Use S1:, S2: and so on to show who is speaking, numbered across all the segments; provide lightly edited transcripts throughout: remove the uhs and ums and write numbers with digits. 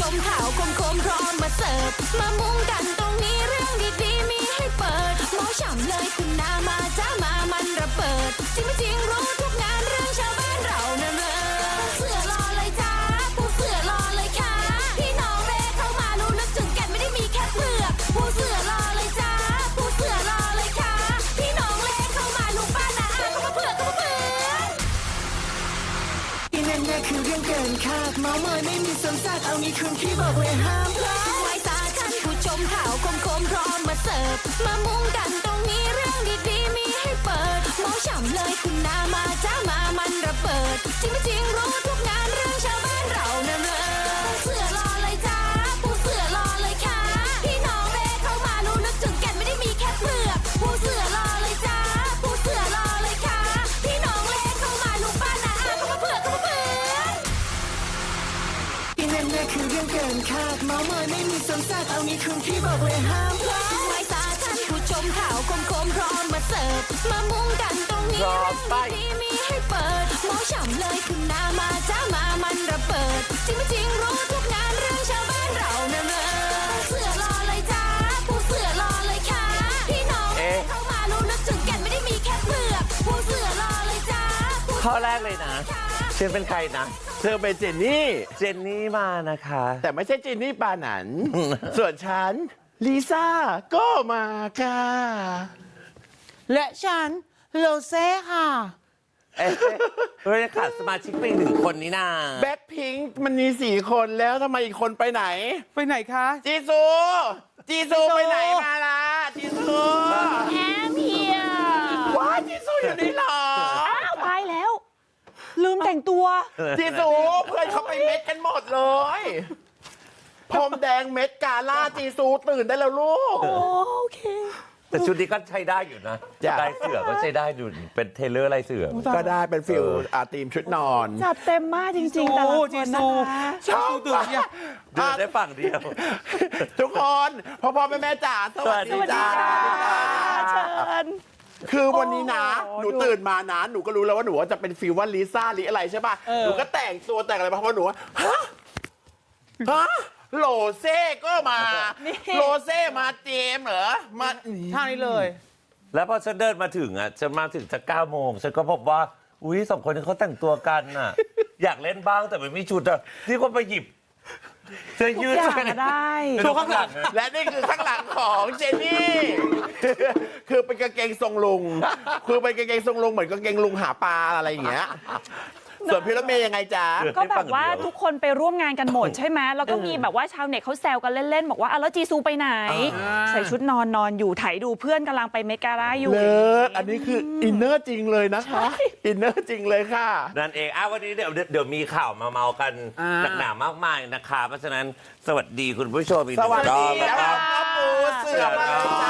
S1: มข่าวคมพร้อมมาเสิร์ฟมามุงกันตรงนี้เรื่องดีๆมีให้เปิดเมาฉ่ำเลยคุณนามาจ้ามามันระเบิดจริงไม่จริงรู้ทุกงานเรื่องชาวบ้านเรานั่นเลยเสือรอเลยจ้าผู้เสือรอเลยค่ะพี่น้องเรเข้ามารู้ลึกถึงแก่นไม่ได้มีแค่เปลือกผู้เสือรอเลยจ้าผู้เสือรอเลยค่ะพี่น้องเรเข้ามาลุงป้านาอาเข้ามาเผือกเข้ามาเผือกอีนั่นเนี่ยคือเรื่องเกินคาดเมาเมยไม่มีสมศักดิ์เอางี้คุณพี่บอกเลยห้ามพลาดไว้ตาท่านผู้ชมข่าวคมพร้อมมาเสิร์ฟมามุงกันตรงนี้เรื่องดีๆมีให้เปิดเมาฉ่ำเลยคุณนามาจ้ามามันระเบิดจริงไม่จริงรู้ทุกงานเรื่องชาวบ้านเรานั่นเลยเสือรอเลยจ้าผู้เสือรอเลยค่ะพี่น้องเรเข้ามารู้ลึกถึงแก่นไม่ได้มีแค่เปลือกผู้เสือรอเลยจ้าผู้เสือรอเลยค่ะพี่น้องเรเข้ามาลุงป้านาอาเข้ามาเผือกเข้ามาเผือกอีนั่นเนี่ยคือเรื่องเกินคาดเมาเมยไม่มีสมศักดิ์เอางี้คุณพี่บอกเลยห้ามพลาดไว้ตาท่านผู้ชมข่าวคมพร้อมมาเสิร์ฟมามุงกันตรงนี้เรื่องดีๆมีให้เปิดเมาฉ่ำเลยคุณนามาจ้ามามันระเบิดจริงไม่จริงรู้ทุกงานเรื่องชาวบ้านเรานั่นเลยเสือรอเลยจ้าผู้เสือรอเลยค่ะพี่น้องเข้ามารู้ลึกถึงแก่นไม่ได้มีแค่เปลือกผู้เสือรอเลยจ้า
S2: ข้อแรกเลยนะเธอเป็นใครนะ
S3: เธอเป็นเจนนี่
S2: เจนนี่มานะคะ
S3: แต่ไม่ใช่เจนนี่ปานั น ส่วนฉันลิซ่าก็มาค่ะ
S4: และฉันโลเซ่ค่ะ
S2: เราจะขาดสมาชิกไปหนึ่งคนนี้นา
S3: แบ็คพิงค์มันมี4 คนแล้วทำไมอีกคนไปไหน
S4: ไปไหนคะ
S3: จีซู จีซูไปไหนมาล่ะจีซู
S1: แอมเฮีย
S3: ว้าจีซูอยู่นี่เหรอ
S1: อ้าวตายแล้ว
S4: ลืมแต่งตัว
S3: จีซูเพื่อนเขาไปเม็ดกันหมดเลยพรมแดงเม็ดกาล่าจีซูตื่นได้แล้วลูก
S1: โอเค
S2: แต่ชุดนี้ก็ใช้ได้อยู่นะ
S3: จ้ะ
S2: ลายเสือก็ใช้ได้อยู่เป็นเทเลอร์ลายเสือ
S3: ก็ได้เป็นฟิลทีมชุดนอน
S1: จัดเต็มมากจริงๆแต่ละคน
S4: จี
S1: นะ
S4: ซู
S1: คะ
S3: ชอบ
S4: ตื่นเนี่ย
S2: เดินได้ฝั่งเดียว
S3: ทุกคนพ่อแม่จ๋าสวัสดีจ้า
S1: เชิญ
S3: คือวันนี้นะ
S4: โอ้โห
S3: หนูตื่นมานะหนูก็รู้แล้วว่าหนูจะเป็นฟีลว่าลิซ่าลิอะไรใช่ป่ะ
S4: เออ
S3: หนูก็แต่งตัวแต่งอะไรมาเพราะหนูว่าฮะโลเซ่ก็มาโลเซ่มาเจมส์เหรอมา
S4: ท่านี้เลย
S2: แล้วพอฉันเดินมาถึงอ่ะฉันมาถึงจะ9 โมงฉันก็พบว่าอุ้ย2 คนนี้เขาแต่งตัวกันน่ะ อยากเล่นบ้างแต่ไม่มีชุดอ่ะที่ก็ไปหยิบเสื้อยืด
S1: ทุกอย่างได้
S2: โชว์ข้างหลัง
S3: และนี่คือข้างหลังของเจนนี่ คือเป็นกางเกงทรงลุง คือเป็นกางเกงทรงลุงเหมือนกางเกงลุงหาปลาอะไรอย่างเงี้ย ส่วนพี่รถเมย์ยังไงจ๊ะ
S1: ก็แบบว่าทุกคนไปร่วมงานกันหมดใช่ไหมแล้วก็มีแบบว่าชาวเน็ตเขาแซวกันเล่นๆ บอกว่าแล้วจีซูไปไหน ใส่ชุดนอนอยู่ไถดูเพื่อนกำลังไปเมกาล่าอยู่
S3: เลิศอันนี้คืออินเนอร์จริงเลยนะคะ อินเนอร์จริงเลยค่ะ
S2: นั่นเองวันนี้เดี๋ยวมีข่าวมาเมากัน
S4: อ่า
S2: หนักหนามากมายนะคะเพราะฉะนั้นสวัสดีคุณผู้ชมอีกห
S3: ส
S2: นึ่ง
S3: วัส
S2: ร
S3: ดี
S2: อบ
S3: ค
S2: นะค
S3: รั
S2: รั
S3: บบ พ่อปูเสือมาเลยจ้า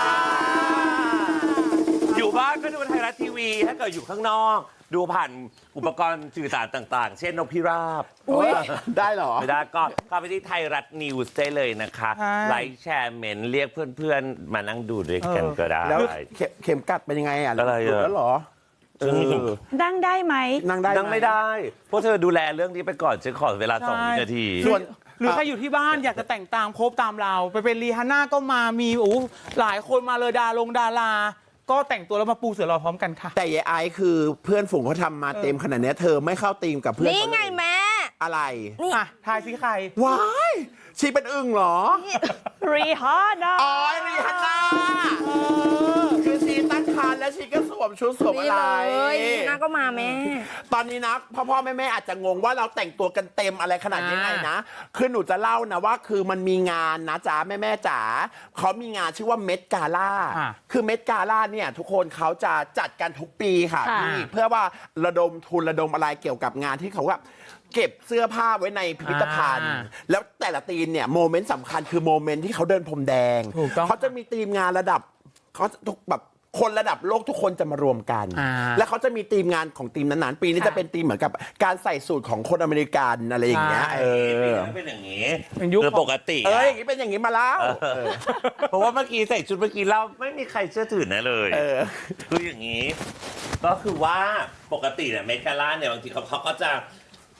S2: อยู่บ้านก็ดูไทยรัฐทีวี ถ้าเกิดอยู่ข้างนอก ดูผ่านอุปกรณ์สื่อสารต่างๆ เช่นนกพิราบ
S3: ได้เหรอ
S2: ไม่ได้ก็เข้าไปที่ไทยรัฐนิวส์ได้เลยนะคะ
S4: ใช่
S2: ไลค์แชร์เมนเรียกเพื่อนๆ มานั่งดูด้วยกันก็ได้
S3: แล้วเข็มกัดเป็นยังไงอ่ะ
S2: อะไรอ่ะ
S3: หลุดแล้วเหรอ
S1: ดังได้ไหม
S3: นั่งได้
S2: นั่งไม่ได้เพราะเธอดูแลเรื่องนี้ไปก่อนฉันขอเวลา2 วินาที
S3: ส่วน
S4: หรือใครอยู่ที่บ้านอยากจะแต่งตามโคบตามเรา ไปเป็นรีฮาน่าก็มามีหลายคนมาเลยดารา ก็แต่งตัวแล้วมาปูเสือรอพร้อมกันค่ะ
S3: แต่ยายไอซ์คือเพื่อนฝูงเขาทำมาเต็มขนาดเนี้ยเธอไม่เข้าทีมกับเพื่อน
S5: นี่ไงแม่
S3: อะไร
S4: อ่ะ ทายซิใคร
S3: ว้ายชีเป็นอึ่งเหรอ
S1: รีฮาน่า
S3: อ๋อรีฮันน่าคือชีตั้งครรภ์แล้วชีก็สวมชุดสวม
S5: นี่
S3: อะไร
S5: เลยนี่นะก็มาแม่
S3: ตอนนี้นะพ่อแม่อาจจะงงว่าเราแต่งตัวกันเต็มอะไรขนาดนี้ไงนะ คือหนูจะเล่านะว่าคือมันมีงานนะจ๊ะแม่จ๋าเขามีงานชื่อว่าเมดกาล่า
S4: อ่ะ
S3: คือเมดกาล่าเนี่ยทุกคนเขาจะจัดกันทุกปีค่ะพี่เพื่อว่าระดมทุนระดมอะไรเกี่ยวกับงานที่เขาว่าเก็บเสื้อผ้าไว้ในพิพิธภัณฑ์ แล้วแต่ละทีมเนี่ยโมเมนต์สำคัญคือโมเมนต์ที่เขาเดินพรมแดง
S4: ถูกต้อง
S3: เขาจะมีทีมงานระดับเขาทุกแบบคนระดับโลกทุกคนจะมารวมกัน แล้วเขาจะมีทีมงานของทีมนั้นๆปีนี้จะเป็นทีมเหมือนกับการใส่สูตรของคนอเมริกันอะไรอย่างเงี้ย
S4: ใช่
S2: เป็นอย่างนี้
S4: เป็นยุค
S2: คือปกติ
S3: อย่างนี้เป็นอย่างนี้มาแล้ว
S2: เพราะว่าเมื่อกี้ใส่ชุดเมื่อกี้เราไม่มีใครเชื่อถือนะเลย คืออย่างนี้ ก็คือว่าปกติเนี่ยเมกาล่าเนี่ยบางทีเขาก็จะ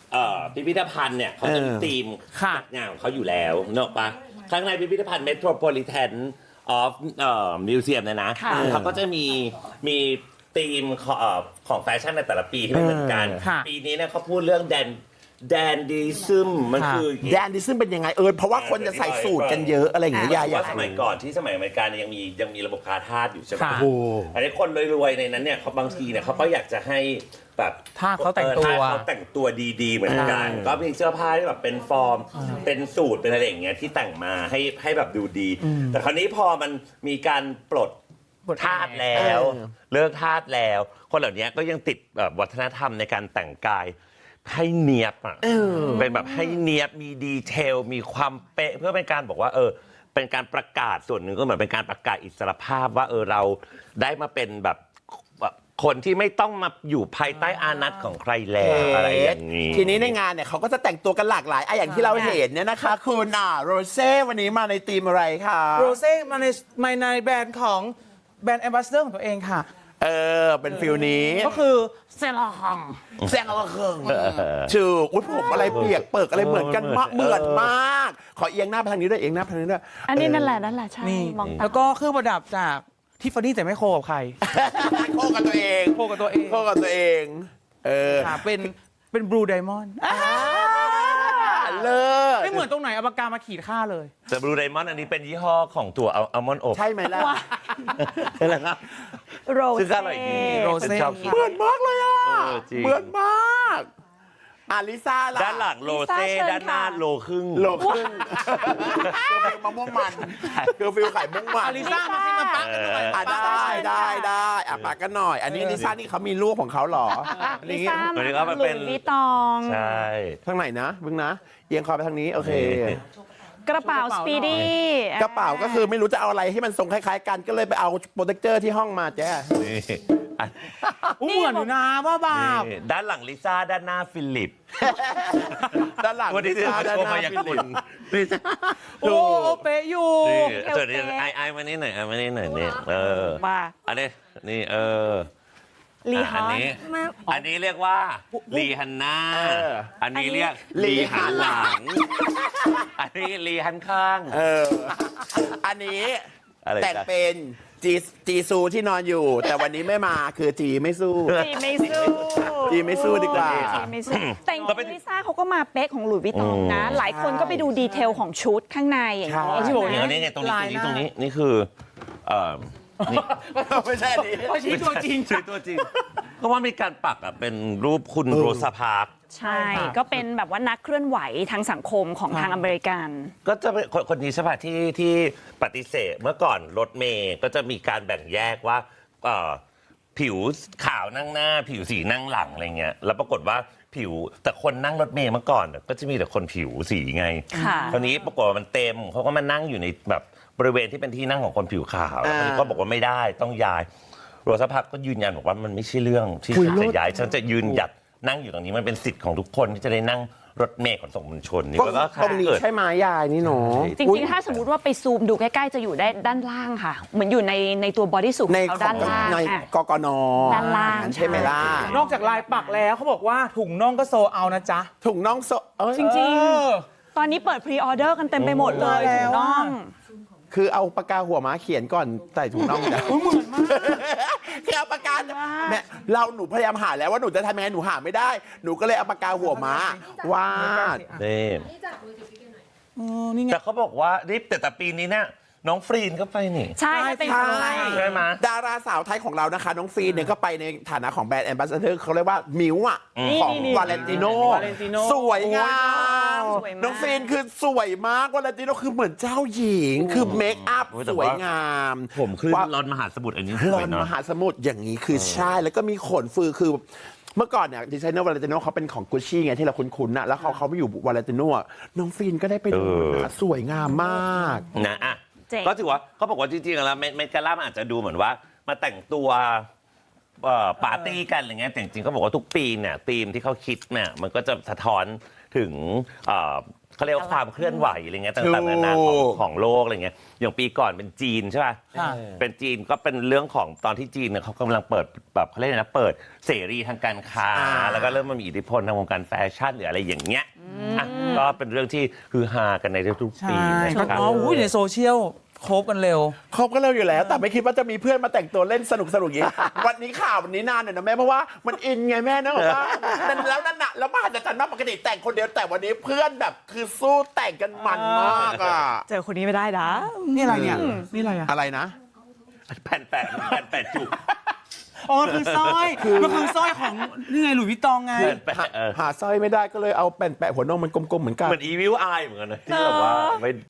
S2: พิพิธภัณฑ์เนี่ยเขาจะมีธีม
S4: ค่ะ
S2: จัดงานของเขาอยู่แล้วเนอะปะข้างในพิพิธภัณฑ์ Metropolitan of Museum เนี่ยนะ
S1: ค่ะ
S2: เขาก็จะมีธีมของแฟชั่นในแต่ละปีที่ไม่เหมือนกัน
S4: ค่ะ
S2: ปีนี้เนี่ยเขาพูดเรื่องแดนดิซึมมันคือ
S3: แดนดิซึ่งเป็นยังไงเพราะว่าคนจะใส่สูตรกันเยอะอะไรอย่างเงี้ยยายอยาก
S2: ว่าสมัยก่อนที่สมัยอเมริกาเนี่ยยังมีระบบคาทาสอยู่ใช่ไหม
S4: ค่ะ
S3: โอ้
S2: อันนี้คนรวยๆในนั้นเนี่ยเขาบางทีเนี่ยเขาก็อยากจะให้แบบ
S4: ทาสเขาแต่งตัว
S2: ทาสเขาแต่งตัวดีๆเหมือนกันก็มีเสื้อผ้าที่แบบเป็นฟอร์มเป็นสูตรเป็นอะไรอย่างเงี้ยที่แต่งมาให้แบบดูดี แต่คราวนี้พอมันมีการปลดทาสแล้วเลิกทาสแล้ว คนเหล่านี้ก็ยังติดแบบวัฒนธรรมในการแต่งกายให้เนียบอ่ะเป็นแบบให้เนียบมีดีเทลมีความเป๊ะเพื่อเป็นการบอกว่าเป็นการประกาศส่วนหนึ่งก็เหมือนเป็นการประกาศอิสรภาพว่าเราได้มาเป็นแบบคนที่ไม่ต้องมาอยู่ภายใต้อานัตของใครแล้วอะไรอย่างนี้
S3: ทีนี้ในงานเนี่ยเขาก็จะแต่งตัวกันหลากหลายอย่างที่เราเห็นเนี่ยนะคะคุณโรเซ่วันนี้มาในธีมอะไรคะ
S4: โรเซ่มาในแบรนด์ของแบรนด์แอมบาสเดอร์ของตัวเองค่ะ
S3: เป็นฟิลนี้
S4: ก็คือเซลอง
S3: แซงเอาเครื่องชื่ออุ้ยผมอะไรเปียกเปิกอะไรเหมือนกันมากเหมือนมาก ขอเอียงหน้าไปทางนี้ด้วยเอียงหน้าไปทางนี้ด้วย
S1: อันนี้นั่นแหละใช่
S4: นี่
S1: มองตา
S4: แล้วก็เครื่องประดับจากทิฟฟานี่แต่ไม่โคกับใคร
S3: โคกับตัวเอง
S4: โคกับตัวเอง
S3: โคกับตัวเอง
S4: ค่ะเป็นบลูไดมอนด์
S3: เลิศ
S4: ไม่เหมือนตรงไหนเอาปากกามาขีดค่าเลย
S2: แต่บลูไดมอนด์อันนี้เป็นยี่ห้อของตัวอัลมอนด์อบ
S3: ใช่ไหมล่ะ
S2: ใช่แล้วครับ
S1: โร
S2: ซึ่ง
S1: เซ่
S2: ก็อร่อยดี
S4: โรเซ่
S2: ชอบกิน
S3: เหมือนมากเลยอ่ะ
S2: จริง
S3: เหมือนมากลิซ่าล่ะ
S2: ด้านหลังโลเซ่ด้านหน้าโลครึ่ง
S3: โลครึ่งคือฟิลมะม่วงมันคือฟิลไข่ม่วงมัน
S4: อาลิซ่ามาให้มาปักกันหน่อย
S3: ได้ปากกันหน่อย อันนี้ลิซ่านี่เขามีลูกของเขาเหรอ
S1: ลิซ่า
S2: อันนี้ก็
S1: มา
S2: มัน
S1: หลุ
S2: เป็น
S1: ยส์วิตตอง
S2: ใช่
S3: ทางไหนนะบึ้งนะเอียงคอไปทางนี้โอเค
S1: กระเป๋าสปีดี้
S3: กระเป๋าก็คือไม่รู้จะเอาอะไรให้มันทรงคล้ายๆกันก็เลยไปเอาโปรเทคเจอร์ที่ห้องมาแจ้
S2: นี่อัน
S4: เหมือนอยู่นะว่าบาป
S2: นี่ด้านหลังลิซ่าด้านหน้าฟิลิป
S3: ด้านหลัง
S2: วันนี้ที่มาโชว์มายากลนี่
S4: โอ้เป๊ะอยู่
S2: ส่วนนี้ไอมานี่หน่อยมานี่หน่อยนี่
S1: มา
S2: อันนี้นี่
S1: ลีฮ
S2: อั
S1: อน น
S2: นี้อันนี้เรียกว่าลีฮันน่าอันนี้เรียกลีหันหลัง อันนี้ลีหันข้าง
S3: อันนี้
S2: อะไรจ๊ะ
S3: แต่งเป็นจีซูที่นอนอยู่ แต่วันนี้ไม่มาคือจีไม่สู้
S1: จีไม่สู้
S3: จีไม่สู้ดีกว่า
S1: จีไม่สู้แต่จริงๆลิซ่าเขาก็มาเป๊ะของหลุยส์วิตตองนะ หลายคนก็ไปดูดีเทลของชุดข้างในอย่างนี้
S3: ใช่
S1: ใช่ไหม
S2: อย่างนี้ไงตรงนี้นี่คือนี่
S3: ไม่ใช่อันนี้
S4: เขาชี้ตัวจริง
S2: ชื่อตัวจริงเพราะว่ามีการปักเป็นรูปคุณโรซาพาร์ค
S1: ใช่ ก็เป็นแบบว่านักเคลื่อนไหวทางสังคมของทางอเมริกัน
S2: ก็จะเป็นคนนี้ใช่ป่ะที่ปฏิเสธเมื่อก่อนรถเมย์ก็จะมีการแบ่งแยกว่าผิวขาวนั่งหน้า ผิวสีนั่งหลังอะไรเงี้ยแล้วปรากฏว่าผิวแต่คนนั่งรถเมย์เมื่อก่อนก็จะมีแต่คนผิวสีไง
S1: ค่ะ
S2: คราวนี้ปรากฏว่ามันเต็มเขาก็มานั่งอยู่ในแบบบริเวณที่เป็นที่นั่งของคนผิวขาวแล้วก็บอกว่าไม่ได้ต้องย้ายโรซาพักก็ยืนยันบอกว่ามันไม่ใช่เรื่องที่ฉันจะย้ายฉันจะยืนหยัดนั่งอยู่ตรงนี้มันเป็นสิทธิ์ของทุกคนที่จะได้นั่งรถเมล์ขนส่งมวลชนนี่ก็
S3: ตรงนี้ใช่ไหมยายนี่หนู
S1: จริงๆ ถ้าสมมติว่าไปซูมดูใกล้ๆ จะอยู่ได้ด้านล่างค่ะ เหมือนอยู่ในตัวบอดี้สูท
S3: ใน
S1: เขา
S3: ขอ
S1: ด้าง นล่าง
S3: ใน
S1: อ่ะ
S3: กกน
S1: ด้านล่าง
S3: ใช่ไหมล่ะ
S4: นอกจากลายปักแล้วเขาบอกว่าถุงน่องก็โซเอานะจ๊ะ
S3: ถุงน่องโซเอ้ย
S1: จริงๆ ตอนนี้เปิดพรีออเดอร์กันเต็มไปหมดเลย
S4: โอ้
S1: ถูกต้อง
S3: คือเอาปากกาหัวม้าเขียนก่อนใส่ถุงน่องจ้ะ
S4: เหมือนมาก
S3: คือเอาปากกาแม่หนูพยายามหาแล้วว่าหนูจะทำยังไงหนูหาไม่ได้ หนูก็เลยเอาปากกาหัวม้าวาด
S2: นี่
S4: นี่ไง
S2: แต่เขาบอกว่านี่แต่ปีนี้เนี่ยน้องฟรีนก็ไปนี่
S1: ใช่เป็น
S3: ใช่
S1: คนไทย
S2: ใช่ไหม
S3: ดาราสาวไทยของเรานะคะ น้องฟีนเนี่ยก็ไปในฐานะของแบรนด์แอมบาสเดอร์เขาเรียกว่ามิวอ่ะของวาเลนติโน
S4: Valentino
S3: สวยงาม
S1: สวยมาก
S3: น้องฟีนคือสวยมากวาเลนติโนคือเหมือนเจ้าหญิง คือเมคอัพ
S2: โอ้ยแต่
S3: ส
S2: ว่า
S3: วยงาม
S2: ผมขึ้น
S3: ว่า
S2: รอนมหาสมุทรอันนี้
S3: ลอนมหาสมุทรอย่างนี้คือใช่ แล้วก็มีขนฟือคือเมื่อก่อนเนี่ยดีไซเนอร์วาเลนติโนเขาเป็นของกุชชี่ไงที่เราคุ้นๆนะแล้วเขาไม่อยู่วาเลนติโนน้องฟีนก็ได้ไปดูนะสวยงามมาก
S2: นะอ่ะ
S1: เจ๋ง
S2: ก็ถือว่าเขาบอกว่าจริงๆแล้วเมกาล่ามันอาจจะดูเหมือนว่ามาแต่งตัวปาร์ตี้กันอะไรเงี้ยแต่จริงๆเขาบอกว่าทุกปีเนี่ยธีมที่เขาคิดเนี่ยมันก็จะสะท้อนถึงเขาเรียกว่าความเคลื่อนไหวอะไรเงี้ยต่างๆนานาของโลกอะไรเงี้ยอย่างปีก่อนเป็นจีนใช่ป่ะ
S4: ค่ะ
S2: เป็นจีนก็เป็นเรื่องของตอนที่จีนเนี่ยเขากำลังเปิดแบบเขาเรียกอะไรนะเปิดเสรีทางการค้าแล้วก็เริ่มมามีอิทธิพลทางวงการแฟชั่นหรืออะไรอย่างเงี้ยอ่ะก็เป็นเรื่องที่ฮือฮากันในทุกๆปี
S4: ใช่
S2: นะค
S4: ก็
S2: รับ
S4: อุ้ยในโซเชียลคบกันเร็ว
S3: คบกันเร็วอยู่แล้ว แต่ไม่คิดว่าจะมีเพื่อนมาแต่งตัวเล่นสนุกอย่างนี้ วันนี้ข่าววันนี้นานหน่อยนะแม่เพราะว่ามันอินไงแม่นะบอกว่าแล้วนั่นน่ะแล้วมหัศจรรย์มากปกติแต่งคนเดียวแต่วันนี้เพื่อนแบบคือสู้แต่งกันมันมากอ่ะ
S5: เจอคนนี้ไม่ได้นะ
S4: นี่อะไรเนี่ย นี่อะไรอ่ะ
S3: อะไรนะ
S2: แผ่นแปะจุก
S4: อ๋อมันคือสร้อยมันคือสร้อยของนี่ไงหลุยส์วิตตองไง
S2: แผ่นแปะ
S3: หาสร้อยไม่ได้ก็เลยเอาแป่นแปะหัวนมมันกลมๆเหมือนกัน
S2: เหมือนอีวิวอายเหมือนกันนะที่แบบว่าไม่